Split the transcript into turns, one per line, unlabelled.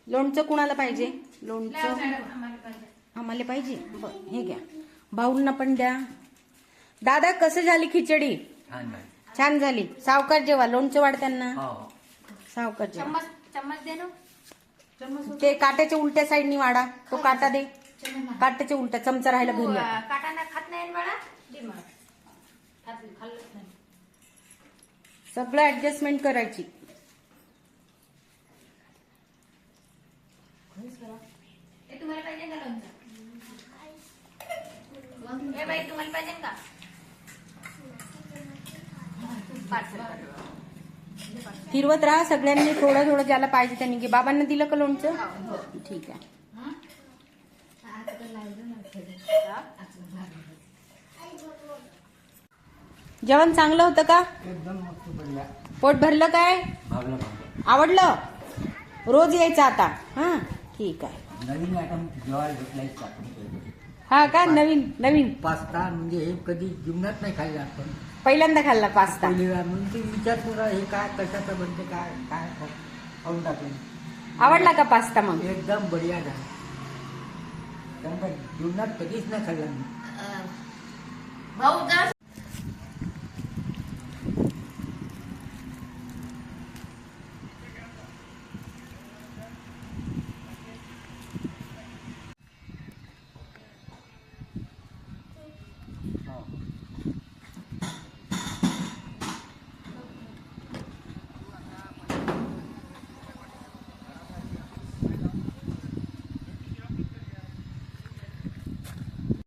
लोणचं कुणाला पाहिजे? लोणचं आम्हाला पाहिजे. हे घ्या, भाऊंना पण द्या. दादा कसे झाली खिचडी? छान झाली. सावकाश जेवा, लोणचं वाढ त्यांना. सावकाश जेवा.
चम्मच दे ना.
ते काट्याच्या उलट्या साईडनी वाढा. तो काटा दे. काट्याच्या उलट्या चमचा राहिला घरी.
काटाना खात नाही बाळा.
सगळं ऍडजस्टमेंट करायची.
तुम्हाला पाहिजे का लोणचं? हे बाई तुम्हाला पाहिजे का?
फिरवत राहा सगळ्यांनी, थोडं थोडं ज्याला पाहिजे त्यांनी घे. बाबांना दिलं का लोणचं? ठीक आहे. जेवण चांगलं होतं का?
एकदम मस्त बढ़िया.
पोट भरलं काय? आवडलं? रोज यायचं आता. हा ठीक आहे.
नवीन आयटम जेवायला भेटलाय
हा का? नवीन नवीन
पास्ता म्हणजे हे कधी जीवनात नाही खाल्लं आपण.
पहिल्यांदा खाल्ला पास्ता.
पहिली वेळा म्हणून ते विचार करा हे काय कशाचं बनते काय काय खाऊन टाकलं.
आवडला का पास्ता? मग
एकदम बढिया झाला. कारण का जीवनात कधीच नाही खाल्ला मी.
भाऊ जरा